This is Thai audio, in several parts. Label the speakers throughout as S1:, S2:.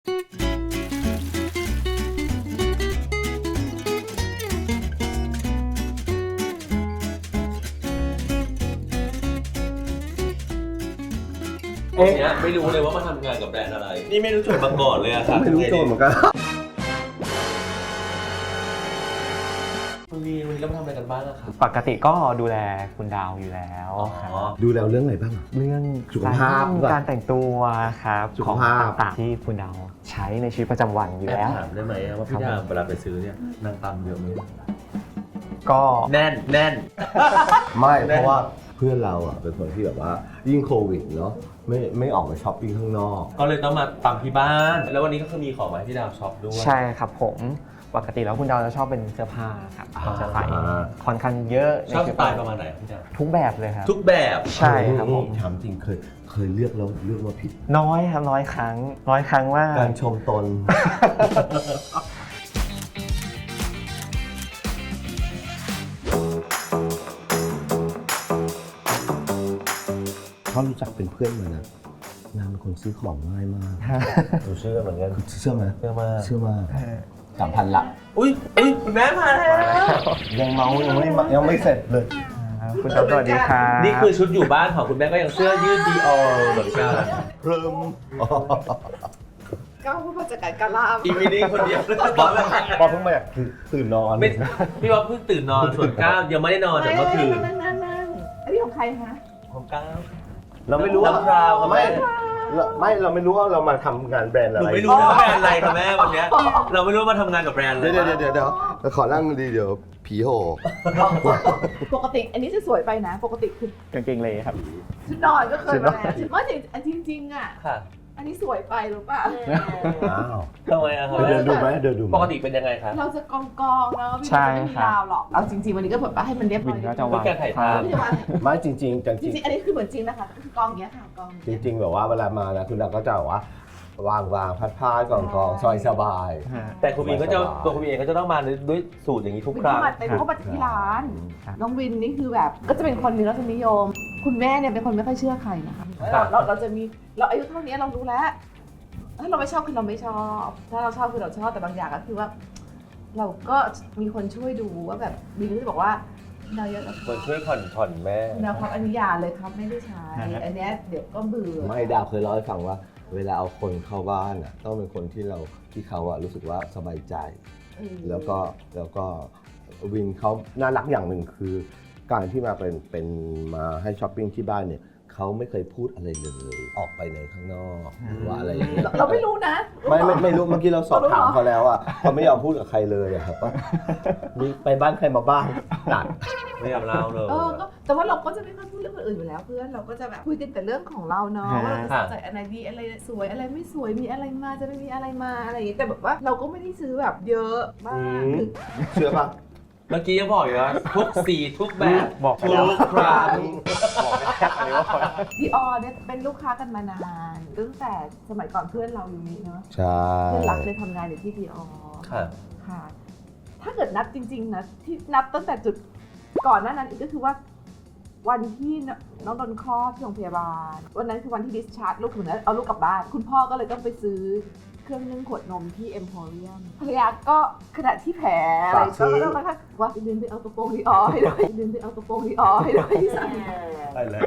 S1: เนี้ยไม่รู้เลยว่ามาทำงานกับแบรนด์อะไรนี่ไม่รู้จุดมาก่อนเลยอะครับ
S2: ไม่รู้โจทย์เหมือนกัน
S1: วันนี้เรามาทำอะไรกันบ้างอะครับ
S3: ปกติก็ดูแลคุณดาวอยู่แล้วครับ
S2: ดูแล้วเรื่องอะไรบ้าง
S3: เรื่อง
S2: สุขภาพ
S3: การแต่งตัวครับ
S2: สุ
S3: ข
S2: ข
S3: อง
S2: ภาพ
S3: ต่างๆที่คุณดาวใช้ในชีวิตประจำวันอยู่แล้ว
S1: ถามได้ไหมว่าพี่ดาวเวลาไปซื้อเนี่ยนางตำเยอะไหม
S3: ก็
S1: แน่น
S2: ไม่เพราะว่าเพื่อนเราอ่ะเป็นคนที่แบบว่ายิ่งโควิดเนาะไม่ออกไปช้อปปิ้งข้างนอก
S1: ก็เลยต้องมาตำที่บ้าน แล้ววันนี้ก็คือมีของมาให้พี่ดาวช็อปด้วย
S3: ใช่ครับผมปกติแล้วคุณดาวจะชอบเป็นเสื้อผ้าครับจะใส่ค่อนข้างเยอะ
S1: ชอบสไตล์ประมาณไหนครับพี่ดาว
S3: ทุกแบบเลยครับ
S1: ทุกแบบ
S3: ใช่ครับผม
S2: ถามจริงเคยเลือกแล้วเลือกมาผิด
S3: น้อยครับน้อยครั้งว่า
S2: การชมตน เขารู้จักเป็นเพื่อนมานะนางเป็นคนซื้อของง่ายมาก
S1: หนูเชื่อเหมือนกัน
S2: เชื่อไหม
S1: เชื่อมาก
S2: เชื่อมาก3,000 ละ
S1: อุ้ยคุณแม่มาแล้ว
S2: ยังเมายังไม่เสร็จเลย
S3: คุณดาวสวัสดีครับ
S1: นี่คือชุดอยู่บ้านของคุณแม่ก็ยังเสื้อยืดดีออเหมือนกัน
S2: เริ่ม
S4: ก้าวผู้จัดการการล่า
S1: อีวีนิ่งคนเดียวบอส
S2: พอเพิ่งมาอยากตื่นนอน
S1: ไม่พี่ว่าเพิ่งตื่นนอนส่วนก้าวยังไม่ได้นอนแต่เมื่อคืน
S4: นั่งอันนี้ของใครคะ
S1: ของก้าว
S2: เราไม่รู้ว่า
S1: น้ำพราวครับแม่
S2: เราไม่รู้ว่าเรามาทำงานแบรนด์
S1: ห
S2: อะไร
S1: นูไม่รู้นะว่าแบรนด์อะไรค่ะแม่วันเนี้ยเราไม่รู้ว่ามาทำงานกับแบรนด์อะไร
S2: เดี๋ยวขอนั่งดีเดี๋ยวผีโห
S4: ปกติอันนี้จะสวยไปนะ ปกติคือก
S3: างเกงเลยครับ
S4: ชุดนอนก็เคยมาแล้วชุดว่าจริงอ่ะ
S1: ค่ะ
S4: อันนี้สวยไปหรือเปล่า
S2: อ้าว
S1: ทำไมอะครับ
S2: เดินดูไหมเดินดูไหม
S1: ปกติเป็นยังไงครับ
S4: เราจะกองๆแล้วพี่
S3: ใช่
S4: ไม่มี
S3: ครับ
S4: ดาวหรอกเอาจริงๆวันนี้ก็แบบว่าให้มันเรียบร้
S3: วิ
S4: อย
S3: นก็จะวาง
S1: เป็นการถ่ายภาพ
S4: ไม่ใช่ว่า
S2: ไม่จริง
S4: จริงๆอันนี้คือเหมือนจริงนะคะคือกองอย่างเงี้ยค่ะกองอย่าง
S2: จ
S4: เงี้ย
S2: ริงแบบว่าเวลามานะคุณดาวก็จะแบบว่าวางพัดผ้ากองซอยสบาย
S1: แต่คุณวินก็จะตัวคุณวินเองก็จะต้องมาด้วยสูตรอย่างนี้ทุก
S4: วิน
S1: ครั้ง
S4: เข้ามาเป็นเข้ามาจากที่ร้าน
S3: ครับ
S4: น้องวินนี่คือแบบก็จะเป็นคนมีรสนิยม คุณแม่เนี่ยเป็นคนไม่ค่อยเชื่อใครนะคะ
S1: ครับ
S4: เราจะมีเราอายุเท่านี้เรารู้แล้วถ้าเราไม่ชอบคือเราไม่ชอบ ถ้าเราชอบคือเราชอบแต่บางอย่างก็คือว่า เราก็มีคนช่วยดูว่าแบบวินก็จะบอกว่าเราเยอะแล้ว
S1: คนช่วยผ่อนแม่
S4: นะครับอันนี้อยาเลยครับไม่ได้ใช้อันเนี้ยเดี๋ยวก็เบื่อ
S2: ไม่ดาวเคยเล่าให้ฟังว่า เวลาเอาคนเข้าบ้านอ่ะต้องเป็นคนที่เขาอะรู้สึกว่าสบายใจ แล้วก็วินเขาน่ารักอย่างหนึ่งคือการที่มาเป็นมาให้ช้อปปิ้งที่บ้านเนี่ยเขาไม่เคยพูดอะไรเลยออกไปในข้างนอกหรือว่าอะไรอย่างเงี้ย
S4: เราไม่รู้นะ
S2: ไม่รู้เมื่อกี้เราสอบถามเขาแล้วอ่ะเขาไม่ยอมพูดกับใครเลยอะครับว่ามีไปบ้านใครมาบ้างตัด
S1: ไม่ยอมเล่าเลย
S4: ก็แต่ว่าเราก็จะไม่ค่อยพูดเรื่องคนอื่นอยู่แล้วเพื่อนเราก็จะแบบคุยกันแต่เรื่องของเราเนาะว่าเราจะใส่อะไรดีอะไรสวยอะไรไม่สวยมีอะไรมาจะไม่มีอะไรมาอะไรอย่างเงี้ยแต่แบบว่าเราก็ไม่ได้ซื้อแบบเยอะมากคือ
S2: เชื่อปะ
S1: เมื่อกี้ยังบอกอยู่ว่าทุกสีทุกแบบ
S3: บอกไป
S1: ทุ
S3: แล้ว
S1: กครั้ง
S3: บอกไปแล้วอันนี้ว่า
S4: ดีออเนี่ยเป็นลูกค้ากันมานานตั้งแต่สมัยก่อนเพื่อนเราอยู่นี่เนาะ
S2: ใช่
S4: เพื่อนรักเคยทำงานอยู่ที่ดีออ
S1: ค่ะ
S4: ค่ะ ถ้าเกิดนับจริงๆนะที่นับตั้งแต่จุดก่อนหน้านั้นอีกก็คือว่า วันที่น้องโดนคลอดที่โรงพยาบาลวันนั้นคือวันที่ดิสชาร์จลูกถึงนั้นเอาลูกกลับบ้านคุณพ่อก็เลยต้องไปซื้อเครื่องนึ่งขวดนมที่เอ็มโพเรียมภรรยาก็ขณะที่แผลอะไรก็ต้องนะคะว่าลืมไปเอากระโปรงดีออให้ด้วยลืมไปเอากระโปรงดีออให้ด้วยที่ใส่
S1: ไปเลย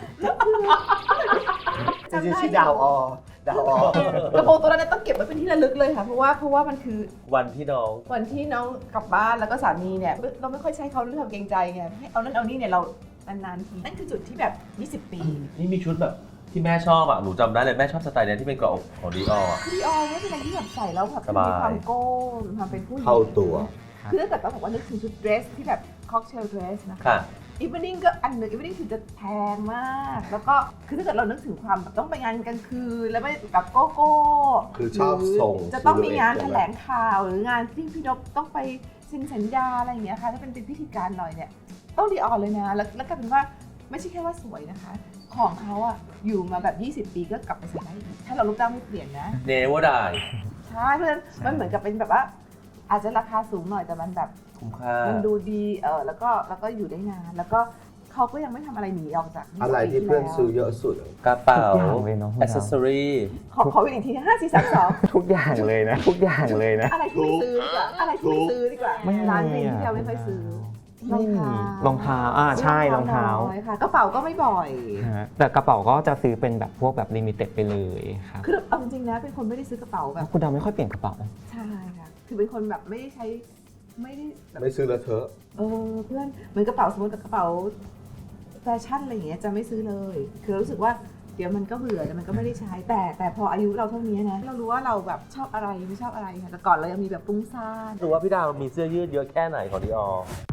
S2: จริงๆชื่อดาวอ
S4: กระโปรงตัวนั้นต้องเก็บไว้เป็นที่ระลึกเลยค่ะเพราะว่ามันคือ
S1: วันที่น้อง
S4: วันที่น้องกลับบ้านแล้วก็สามีเนี่ยเราไม่ค่อยใช้เขาเรื่องความเกรงใจไงให้เอานั่นเอานี่เนี่ยเรานานๆทีนั่นคือจุดที่แบบ 20 ปี
S1: นี่มีชุดแบบที่แม่ชอบอ่ะหนูจำได้เลยแม่ชอบสไตล์เนี้ยที่เป็นเกราะอกของดีออ
S4: คือดีออไม่เป็นอะไรที่แบบใส่แล้วแบบ
S1: สบาย
S4: มีความโก้มีความเป็นผู้หญิง
S2: เข้าตัว
S4: คือถ้าเกิดต้องบอกว่านึกถึงชุดเดรสที่แบบค็อกเทลเดรสนะคะ
S1: ค่ะ
S4: อีฟนิ่งก็อันหนึ่งอีฟนิ่งถึงจะแพงมาก แล้วก็คือถ้าเกิดเรานึกถึงความแบบต้องไปงานกลางคืนแล้วไม่แบบโก้โก้
S2: คือชอบทรง
S4: หรือจะต้องมีงาน
S2: silhouette
S4: แถลงข่าวหรืองานที่พี่นพต้องไปเซ็นสัญญาอะไรอย่างเงี้ยค่ะถ้าเป็นพิธีการหน่อยเนี่ยต้องดีออนเลยนะแล้วกลายเป็นว่าไม่ใช่แค่ว่าสวยนะคะ ของเขาอะอยู่มาแบบ 20 ปีก็กลับไปใส่ได้อีกถ้าเราลูกจ้างไม่เปลี่ยนนะ
S1: เนวดาย
S4: ใช่เพราะฉะนั้นมันเหมือนกับเป็นแบบว่า อาจจะราคาสูงหน่อยแต่มันแบบ
S1: คุ้มค่า
S4: มันดูดีแล้วก็อยู่ได้นานแล้วก็เขาก็ยังไม่ทำอะไรหนีออกจาก
S2: อะไรที่เพื่อนซื้อเยอะสุด
S1: กระเป๋า
S3: ทุกอย่างเลยเนาะคุณ
S1: อ
S3: ดาว
S1: c เซสซอรี่
S4: ขออีกที5 4 3 2
S3: ทุกอย่างเลยนะทุกอย่างเลยนะ
S4: อะไรที่ไม่ซื้อดีกว่าอะไรที่ไม่ซื้อดีกว่า
S3: ไม่มี
S4: ร้านวินที่เราไม่ค่อยซื้อ
S3: ไม่มีรองเท้าใช่รองเท้า
S4: น้อยค่ะกระเป๋าก็ไม่บ่อย
S3: ฮะแต่กระเป๋าก็จะซื้อเป็นแบบพวกแบบลิมิเต็ดไปเลยครับ
S4: คือเอาจริงๆนะเป็นคนไม่ได้ซื้อกระเป๋าแบบ
S3: คุณดาวไม่ค่อยเปลี่ยนกระเป๋า
S4: ใช่ค่ะคือเป็นคนแบบไม่ได้ใช้ไม่ได้แบบ
S2: ไม่ซื้อแล้วเธอะ
S4: เพื่อนเหมือนกระเป๋าสมมติกับกระเป๋าแฟชั่นอะไรอย่างเงี้ยจะไม่ซื้อเลย คือรู้สึกว่าเดี๋ยวมันก็เบื่อแต่มันก็ไม่ได้ใช้แต่พออายุเราเท่านี้นะเรารู้ว่าเราแบบชอบอะไรไม่ชอบอะไรค่ะแต่ก่อนเรายังมีแบบฟุ้งซ่าน
S1: รู้ว่าพี่ดาวมีเสื้อยืดเยอะแค่ไหนของดิออ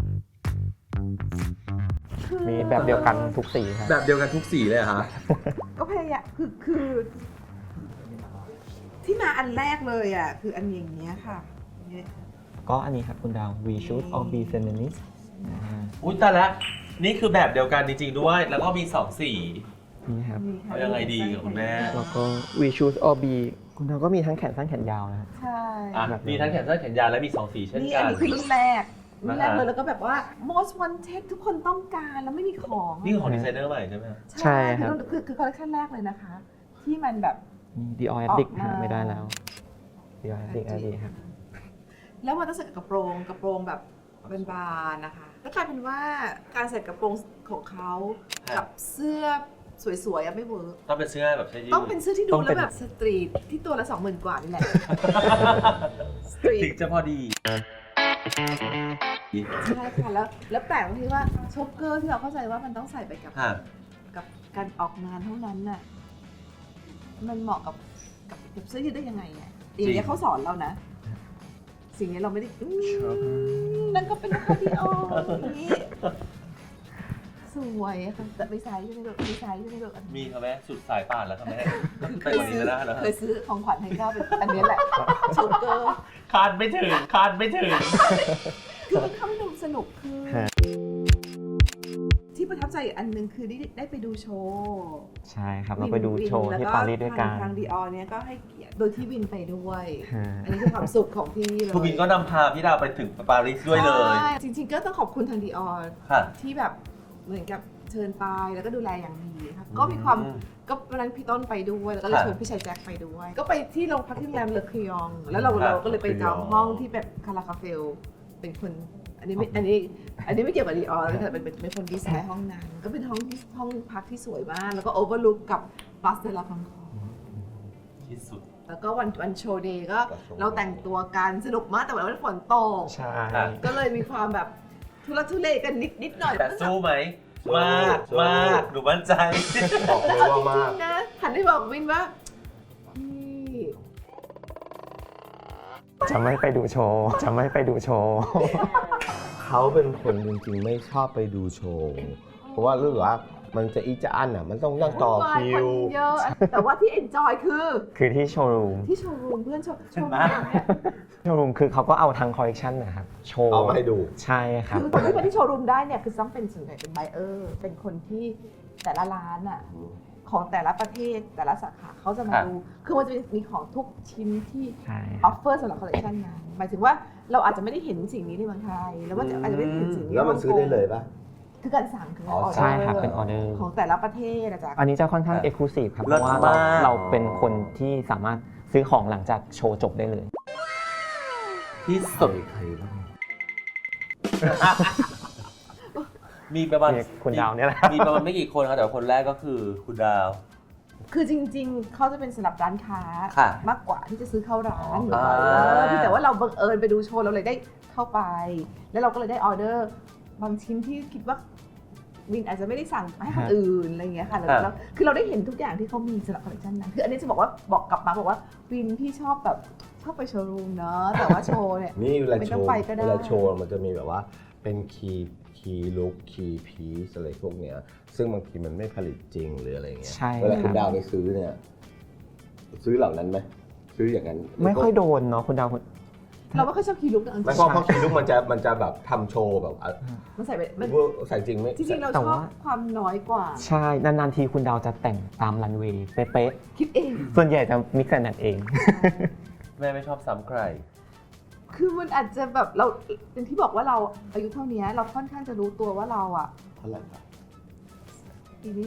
S3: มีแบบเดียวกันทุกสีครับ
S1: แบบเดียวกันทุกสีเลยฮะ
S4: ก็พยายามคือที่มาอันแรกเลยอ่ะคืออันอย่างเงี้ยค่ะเนี่ย
S3: ก็อันนี้ครับคุณดาว We should all be feminist
S1: อุ้ยแต่ละนี่คือแบบเดียวกันจริงๆด้วย แล้วก็มี2สี
S3: นี่ครับ
S4: มีค่ะ
S1: เอายังไงดีกับคุณแม่
S3: แล้วก็ We should all be คุณดาวก็มีทั้งแขนสั้นแขนยาวนะครับ
S4: ใช่
S1: อ่ะมีทั้งแขนสั้นแขนยาวและมี2สีเช่น
S4: นี่
S1: กั
S4: อัน
S1: น
S4: นี้คือรุ่นแรกรุ่นแรก
S1: นะคะ
S4: เลยแล้วก็แบบว่า most wanted ทุกคนต้องการแล้วไม่มีของ
S1: นี่คือของดีไซเนอร์ใหม่ใช่ไหม
S3: ใช่ครับ
S4: คือคอลเลคชันแรกเลยนะคะ ที่มันแบบ
S3: นี่ Dior Addict
S4: ออกมา
S3: หาไม่ได้แล้ว Dior Addict ครับ
S4: แล้วมันต้องใส่กับกระโปรงแบบเป็นบานนะคะแล้วกลายเป็นว่าการใส่กระโปรงของเขากับเสื้อสวยๆอะไม่เวิร์ก
S1: ต้องเป็นเสื้อแบบใช่ยืด
S4: ต้องเป็นเสื้อที่ดู
S3: ต้อง
S4: แล้
S3: เป็
S4: วน แบบสตรีทที่ตัวละ 20,000 กว่านี่แหละ สตรี
S1: ถึ
S4: ท
S1: งจะพอดี
S4: ใช่ค่ะแล้วแปลกตรงที่ว่าช็อปเกอร์ที่เราเข้าใจว่ามันต้องใส่ไปกับ
S1: ค่ะ
S4: กับการออกงานเท่านั้นน่ะมันเหมาะกับเสื้อยืดได้ยังไงเนี่ยอย่างเงี้ยเขาสอนเรานะ สิ่งนี้เราไม่ได้นั่นก็เป็นนักดีออย่างนี้สวยอะค่ะแต่ไม่ใช้ใช่ไหมลูกไม่ใช้ใช่ไหมลูก
S1: มีครับแม่สุดสายป่านแล้วครับแม่
S4: เค
S1: ไป
S4: ย
S1: กว่านี้
S4: ซื้อ
S1: ก็ได้แล้ว
S4: เคยซื้อของขวัญให้ก้าวเป็นอันนี้แหละช็อปเกอร์
S1: คาดไม่ถึง
S4: คือมันทำให้ดูสนุกคือ
S3: ฮะ
S4: ที่ประทับใจอีกอันหนึ่งคือได้ไปดูโชว์
S3: ใช่ครับ เราไปดูโชว์ที่ปารีสด้วยกัน
S4: ทางดีออเนี่ยก็ให้เกียรติโดยที่วินไปด้วย
S3: ฮะ
S4: อันนี้คือความสุขของพี่เลย
S1: ทูบินก็นำพาพี่ดาวไปถึงปารีสด้วยเลย
S4: ใช่จริงๆก็ต้องขอบคุณทางดีออ
S1: ค่ะ
S4: ที่แบบเหมือนกับเชิญไปแล้วก็ดูแลอย่างดีครับก็มีความก็วันนั้นพี่ต้นไปด้วยแล้วก็เลย
S1: ค่ะ
S4: ชวนพี่ชายแจ็คไปด้วย ก็ไปที่โรงพักที่โรงแรมเลอคยอง แล้วเราก็เลยไปจองห้องที่แบบคาราคาเฟลเป็นคนอันนี้ไม่เกี่ยวกับดีออแต่เป็นคนดีไซน์ห้องนั้นก็เป็นห้องพักที่สวยมากแล้วก็โอเวอร์ลุกกับบัสเดลาพังคอง
S1: ที่สุด
S4: แล้วก็วันโชว์เดย์ก็เราแต่งตัวกันสนุกมากแต่วันฝนตก
S3: ใช่
S4: ก็เลยมีความแบบทุลักทุเลกันนิดหน่อย
S1: แต่สู้ไหม มาก
S2: สู้
S1: มากหนูมั่นใจ
S2: บอกเลย
S4: เอาจ
S2: ว่า
S4: ริ
S2: มาง ก
S4: ๆนะหันไปบอกวินว่าพี่
S3: จะไม่ไปดูโชว์ จะไม่ไปดูโชว์
S2: เขาเป็นคนจริงๆไม่ชอบไปดูโชว์ เพราะว่ารู้สึกว่ามันจะอีจะอันอ่ะ มันต้องนั่งต่อคิว
S4: คนเยอะแต่ว่าที่เอนจอยคือ
S3: คือที่โชว์รูม
S4: ที่โชว์รูมเพื่อนโชว์
S1: เห็นไหม
S4: เนี่ย
S3: โชว์รูมคือเขาก็เอาทางคอลเลคชันนะครับ โชว์
S2: เอามาให้ดู
S3: ใช่ครับ
S4: คือคนที่มาที่โชว์รูมได้เนี่ยคือต้องเป็นส่วนใหญ่เป็นไบเออร์เป็นคนที่แต่ละร้านอ่ะของแต่ละประเทศแต่ละสาขาเขาจะมาดูคือมันจะมีของทุกชิ้นที่
S3: ใช่
S4: ออฟเฟอร์สำหรับคอลเลคชันนั้นหมายถึงว่าเราอาจจะไม่ได้เห็นสิ่งนี้ในเมืองไทยแล้วว่าอาจจะไม่ได้เห็นสิ่งนี้
S2: แล้วมันซื้อได้เลยปะ
S4: คือการสั่งคือ
S2: อ๋อ
S4: ออเดอร์
S3: ใช่ครับเป็นออเดอร์
S4: ของแต่ละประเทศนะจ๊ะ
S3: อันนี้จะค่อนข้างเอกลูซีฟครับ เพ
S1: เลิศ
S3: ราะว่า
S1: มาก
S3: เราเป็นคนที่สามารถซื้อของหลังจากโชว์จบได้เลย
S1: ที่สุด
S2: ใครบ้าง
S1: มีประมาณ
S3: มีคุณดาวเนี่ยแหละ
S1: มีประมาณไม่กี่คนครับแต่ว่าคนแรกก็คือคุณดาว
S4: คือจริงๆ เขาจะเป็นสำหรับร้านค้า
S1: ค่ะ
S4: มากกว่าที่จะซื้อเข้าร้าน
S1: อ๋อ
S4: ที่แต่ว่าเราบังเอิญไปดูโชว์เราเลยได้เข้าไป แล้วเราก็เลยได้ออเดอร์บางชิ้นที่คิดว่าวินอาจจะไม่ได้สั่งให้คนอื่นอะไรอย่างเงี้ยค่ะแล้วคือเราได้เห็นทุกอย่างที่เขามีสำหรับคอลเลคชันนั้นคืออันนี้จะบอกกลับมาบอกว่าวินพี่ชอบแบบชอบไปโชว์รูมเนาะแต่ว่าโชว์เนี่ย
S2: นี่เวลา
S4: ไม่
S2: โช
S4: ต้อง
S2: ว์
S4: ไปก็ได้
S2: เวลาโชว์มันจะมีแบบว่าเป็นคีย์ลุคคีย์พีซอะไรพวกเนี้ย ซึ่งบางทีมันไม่ผลิตจริงหรืออะไรเงี้ย
S3: ใช่
S2: เวลา
S3: ค
S2: คุ
S3: รั
S2: ณ
S3: บ
S2: ดาวไปซื้อเนี่ย ซื้อเหล่านั้นไหมซื้ออย่างนั้น
S3: ไม่ค่อยโดนเนาะคุณดาว
S4: เราไม่ค่อยชอบคีย์ลุกนะจริง
S2: ไม่เพราะคีย์ลุคมันจะแบบทำโชว์แบบ
S4: มันใส่ไปมัน
S2: ใส่จริงไม่
S4: จริงๆเรา
S3: แต่
S4: ชอบ
S3: ว่า
S4: ความน้อยกว่า
S3: ใช่ นานๆทีคุณดาวจะแต่งตามรันเวย์เป๊ะ
S4: คิดเอง
S3: ๆส่วนใหญ่จะมิกซ์แอนด์เอง
S1: แม่ไม่ชอบซ้ำใคร
S4: คือมันอาจจะแบบเราอย่างที่บอกว่าเราอายุเท่านี้เราค่อนข้างจะรู้ตัวว่าเราอะ
S2: เท่าไหร่ครับ
S4: ปีนี้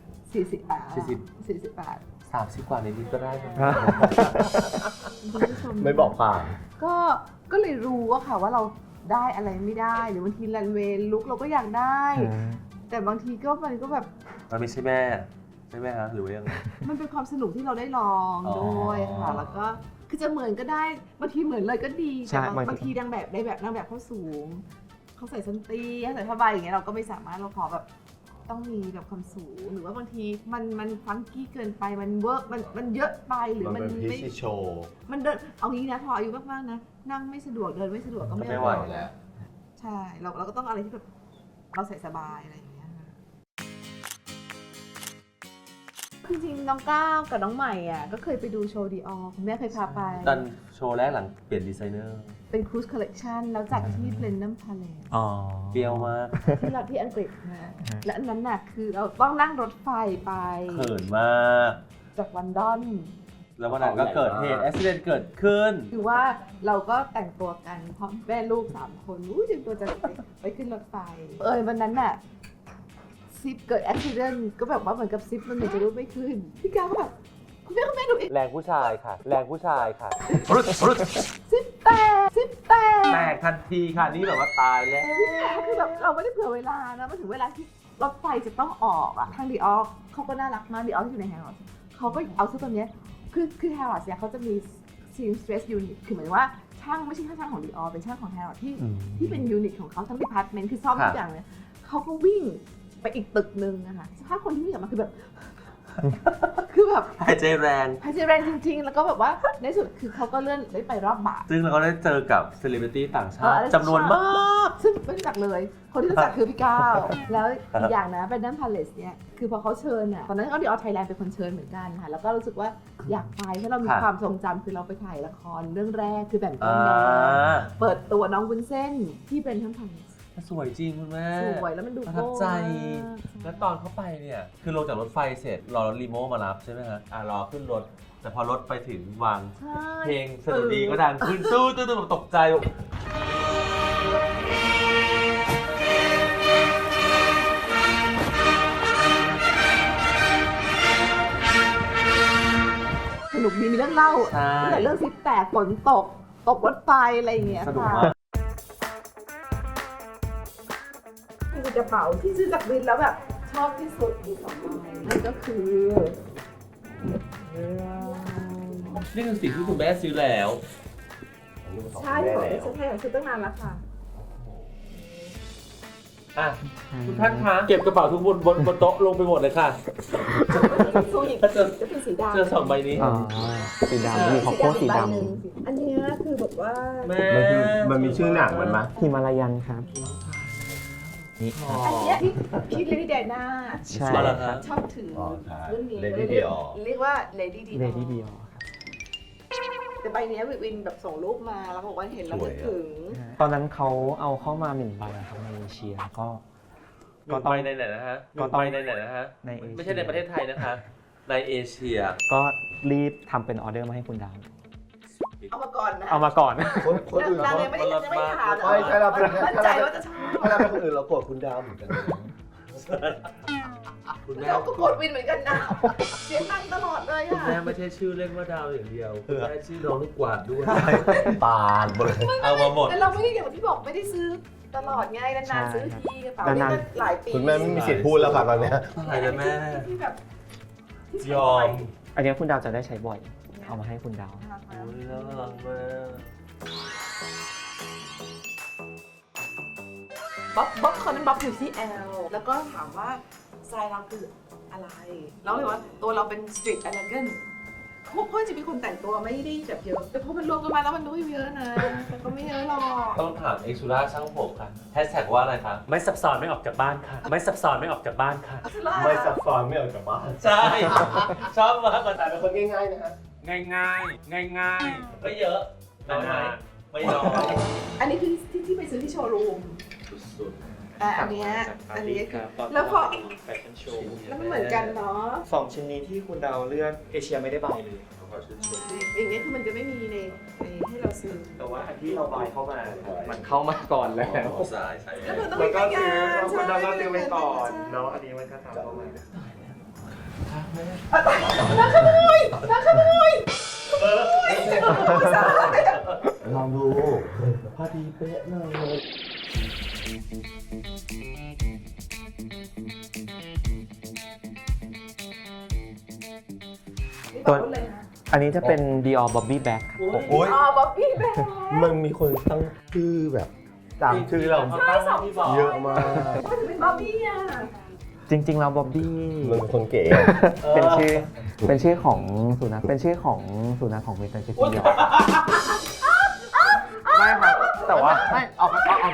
S4: 48
S1: 30 กว่าในนี้ก็ได้นะ
S4: คุณผู้ชม
S2: ไม่บอกผ่าน
S4: ก็เลยรู้ว่าค่ะว่าเราได้อะไรไม่ได้หรือบางทีรันเวย์ลุกเราก็อยากได้ แต่บางทีก็มันก็แบบ
S1: มันไม่ใช่แม่ใช่ไหมฮะหรือว่ายังไง
S4: มันเป็นความสนุกที่เราได้ลองด้วยค่ะ แล้วก็คือจะเหมือนก็ได้บางทีเหมือนเลยก็ดีแต่บางทีนางแบบเขาสูงเขาใส่ส้นตีเขาใส่ผ้าใบอย่างเงี้ยเราก็ไม่สามารถเราขอแบบต้องมีแบบความสูงหรือว่าบางทีมันฟังกี้เกินไปมันเวิร์กมันเยอะไปหรือมัน
S2: เป็นพิ
S4: ไม่
S2: ธีโชว์
S4: มันเดินเอางี้นะพออายุมากๆนะนั่งไม่สะดวกเดินไม่สะดวกก็ไม่
S1: ไม่ไหวแล้ว
S4: ใช่เราก็ต้องอะไรที่แบบเราใส่สบายอะไรอย่างเงี้ยค่ะจริงๆน้องก้าวกับน้องใหม่อ่ะก็เคยไปดูโชว์ดีออคุณแม่เคยพาไป
S1: ตอนโชว์แรกหลังเปลี่ยนดีไซเนอร์
S4: เป็นครูซคอลเลกชันแล้วจัดที่เพลนนัมพาเลส
S3: อ๋อ
S1: เปรี้ยวมาก
S4: ที่เราที่อังกฤษนะและอันนั้นน่ะคือเราต้องนั่งรถไฟไป
S1: เขินมาก
S4: จากวันดอน
S1: แล้ววันนั้นก็เกิดเหตุอุบิเหตุเกิดขึ้น
S4: คือว่าเราก็แต่งตัวกันพร้อมแม่ลูก3 คนเตรียมตัวจะไปขึ้นรถไฟวันนั้นน่ะซิปเกิดอุบิเหตุก็แบบว่าเหมือนกับซิปมันเหมือนจะรูดไม่ขึ้นพี่ก้าวก็แบบคุณแม่ดูอีก
S1: แรงผู้ชายค่ะ แรงผู้ชายค่ะ
S4: ซิปแตก
S1: แตกทันทีค่ะ นี่แบบว่าตายแล้ว
S4: คือแบบเราไม่ได้เผื่อเวลานะมาถึงเวลาที่รถไฟจะต้องออกอะทางดีออเขาก็น่ารักมากดีออที่อยู่ในแฮร์รอดเขาก็เอาซื้อตัวเนี้ยคือแฮร์รอดเนี่ยเขาจะมีซีมสเตรสยูนิตคือหมายถึงว่าช่างไม่ใช่แค่ช่างของดีออเป็นช่างของแฮร์รอดที่เป็นยูนิตของเขาทั้งดีพาร์ตเมนต์คือซ่อมทุกอย่างเลยเขาก็วิ่งไปอีกตึกนึงนะคะสภาพคนที่วิ่งออกมาคือแบบ คือแบบ
S1: หายใจแรง
S4: หายใจแรงจริงๆ แล้วก็แบบว่าในสุดคือเขาก็เลื่อนได้ไปรอบบ่าย
S1: ซึ่งเราก็ได้เจอกับเซเลบริตี้ต่างชาติจำนวนมาก
S4: ซึ่งไม่รู้จักเลย คนที่รู้จักคือพี่ก้าว แล้วอีกอย่างนะเป็นดัมพาเลสเนี่ย คือพอเขาเชิญอ่ะ ตอนนั้นก็ดีออไทยแลนด์เป็นคนเชิญเหมือนกันค่ะ แล้วก็รู้สึกว่าอยากไปเพราะเรามีความทรงจำคือเราไปถ่ายละครเรื่องแรกคือแบ่งกันแดงเปิดตัวน้องวุ้นเส้นที่เป็นดัมพาเลส
S1: สวยจริงคุณแม่
S4: สวยแล้วมันดู
S1: ประทับใจ
S4: โก้มาก
S1: แล้วตอนเข้าไปเนี่ย คือลงจากรถไฟเสร็จ รอรถรีโมมารับใช่ไหมฮะรอขึ้นรถ แต่พอรถไปถึงวัง
S4: ใช่
S1: เพลงสนุกดีก็ดังขึ้นตู้ตกใจ
S4: สนุกดีมีเรื่องเล่า
S1: ใช่
S4: ตั้งแต่เรื่องซิปแตกฝนตกรถไฟอะไรอย่างเงี้ย
S1: สนุก
S4: ค่ะ
S1: มาก
S4: คือกระเป๋าที่ซื้อจากวินแล้วแบบชอบที่สุดมี2 ใบนั่นก็คือ
S1: นี่คือสิ่งที่คุณแม่ซื้อแล้ว
S4: ใช่ของที่ฉันให้ซื้อตั้งนานแล้วค่ะ
S1: อ่ะทุกท่านคะเก็บกระเป๋าทุกบนโต๊ะลงไปหมดเลยค่ะ
S4: ซูยิกจะเป็นสีดำ
S1: เจอ2 ใบนี้
S3: อ๋อ สีดำมีของโค้ดสีด
S4: อันเนี้ยคือแบบว่า
S1: แม่
S2: มันมีชื่อหนังมันไหม
S3: ำฮิมาลายันครับ นี่
S1: อ๋อ
S4: อันเนี้ยที่เลดี้เดน่า
S3: ใช่
S1: อ๋อเหรอครับ
S4: ชอบถือ
S2: ใช่
S4: รุ่นนี้
S2: Lady Dior
S4: เรียกว่าเลดี้ดี
S3: เลดี้เดียว
S4: แต่ใบเนี้ยวินแบบส่งรูปมาแล้วบอกว่าเห็นแล้วนึกถึง
S3: ตอนนั้นเขาเอาเข้ามา1 ใบครับในเอเชียก็
S1: ก็ไปในไหนนะฮะ
S3: ก็ต้อง
S1: ไปในไหนนะฮะ
S3: ในเอเชีย
S1: ไม่ใช่ในประเทศไทยนะคะ ในเอเชีย
S3: ก็รีบทำเป็นออเดอร์มาให้คุณดาว
S4: เอามาก่อนนะ
S3: เอามาก่อน
S2: คนอื่น
S4: นาง
S2: เขา
S4: ยังไม่ถาม
S2: ไม่ใช่เราเป็น
S4: มั่นใจว่าจะชอบ
S2: ถ้าเราเป็นคนอื่นเราโกรธคุณดาวเหมือนกันนะ
S1: คุณแม่
S4: เราก็กดวินเหมือนกันนะเสียตังค์ตลอดเลย
S1: คุณ
S4: ค่ะ
S1: แม่ไม่ใช่ชื่อเล่นว่าดาวอย่างเดียวคุณแม่ชื่อน้องลูกกวาดด้วย
S2: ปานหมดเลย
S1: เอามาหมด
S4: แต่เราไม่ได้อย่างที่บอกไม่ได้ซื้อตลอดไงนานๆซื้อทีกระเป๋านี่ก็หลายปี
S2: คุณแม่ไม่มีสิทธิ์พูดแล้วค่ะตอนเนี้ย
S1: อะไรนะแม่
S4: ที่แบบที่
S1: ยอม
S3: อันนี้คุณดาวจะได้ใช้บ่อย เอามาให้คุณดาว
S1: โอ้ยน่ารักมาก
S4: บ๊อบคนนั้นบ๊อบอยู่ที่แอลแล้วก็ถามว่าสไตล์เราคืออะไรเราเลยว่าตัวเราเป็นสตรีทเอเลกันพวกเพื่อนจะมีคนแต่งตัวไม่ได้แบบเยอะแต่พอมันรวมกันมาแล้วมันดูเยอะนะแต่ก็ไม่เยอะหรอก
S1: ต้องถามเอ็กซ์ซูราช่างผมค่ะแฮชแท็กว่าอะไรคะไม่ซับซ้อนไม่ออกจากบ้านค่ะ ไม่ซับซ้อนไม่ออกจากบ้านค่ะ
S2: ไม่ซับซ้อนไม่ออกจากบ้าน
S1: ใช่ ชอบมากกว่า
S2: แต่เป็นคนง่ายๆนะฮะ
S1: ง่ายง่ายง่ายง่ายๆไม่เยอะน้อยไหมไม่น้อย
S4: อันนี้คือที่ไปซื้อที่โชว์รูม
S1: สุด
S4: อันเนี้ยคือแล้วพอแล้วมันเหมือนกันเนาะ
S3: 2 ชิ้นนี้ที่คุณดาวเลือกเอเชียไม่ได้ใบเลย
S1: ๆอชื่นชม
S4: อย่างเงี้ยคือมันจะไม่มีในให้เราซื้อ
S3: แต่ว่าอันที่เราบายเข้ามามันเข้ามาก่อนแล้ว
S1: สายใช่
S4: แล้วมันต้อง
S3: มันก็
S4: มี
S3: ซื้อ
S4: การ
S3: คุณดาวก็ซื้อไปก่อนเนาะอันนี้มันก็ตามเข้ามา
S2: ลองดูพอดีเป๊ะเลย
S4: ตัวเลยนะ
S3: อันนี้จะเป็น Dior Bobby Bag ครับผม
S2: โอ้ย
S4: อ๋อบ๊อบบี้แบง
S2: มันมีคนตั้งชื่อแบบตามชื่อเรา
S1: ที่บอก
S2: เยอะมาก
S4: ว่าจะเป็นบ๊อบบี้อ่ะ
S3: จริงๆแล้ว Bobby
S2: มันเป็นคนเก๋
S3: เป็นชื่อของสุนัขเป็นชื่อของสุนัขของเวสเทิร์นเชฟฟิลด์ไม่ครับแต่ว่าไม่เอาไปก่อน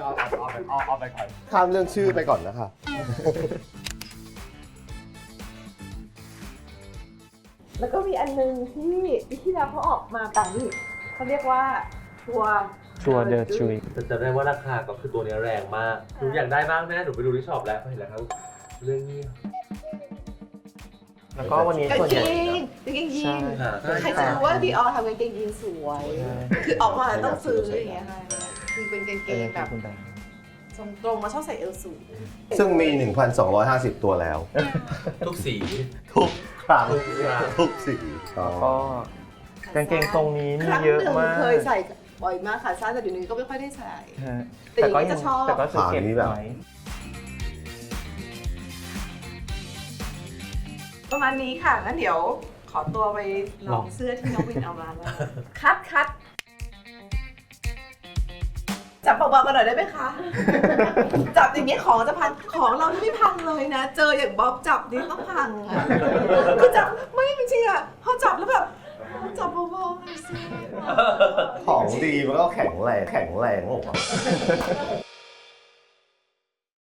S2: ข้ามเรื่องชื่อไปก่อนนะคะ
S4: แล้วก็มีอันนึงที่เราเขาออกมาต่างนี่เขาเรียกว่าชัว
S3: เดอร์ชุย
S1: แต่จำได้ว่าราคาก็คือตัวนี้แรงมากหนูอยากได้บ้างแม่หนูไปดูที่ช็อปแล้วเห็นแล้วครับเรื่องนี้
S3: แล้วก็วันนี้
S4: กาง
S3: ส่วน
S4: เก
S3: ใหญ่
S4: งกางเกงยีน
S3: ใช่
S4: ใครจะรู้ว่าดีออทำกางเกงยีนสวย คือออกมาต้องซื้ออย่างเงี้ยค่ะคือเป็นกางเกงแบบทรงตรงมาชอบใส่เอวสูง
S2: ซึ่งมี 1,250 ตัวแล้ว
S1: ทุกสี
S2: ทุกครั้ง
S1: ทุกครั้ง
S2: ทุกสี
S3: ก็กางเกงทรงนี้มี
S4: ครั้ง
S3: เยอะ
S4: หนึ่ง
S3: มาก
S4: เคยใส่บ่อยมากค่ะสั้นแต่เดี๋ยวนี้ก็ไม่ค่อยได้ใส่
S3: ฮะ
S4: แต่อย่างนี้จะชอบ
S3: แต่ก็จะเก็บไว้
S4: ประมาณนี้ค่ะงั้นเดี๋ยวขอตัวไปลองเสื้อที่น้องวินเอามาแล้วคัดจับเบาๆกันหน่อยได้ไหมคะ จับอย่างเงี้ยของจะพังของเราไม่พังเลยนะ เจออย่างบ๊อบจับนี่ต้องพังค่ะคือจับไม่จริงๆอ่ะพอจับแล้วแบบจับเบาๆหน่อยสิ
S2: ของดีมันก็แข็งแรงหรอ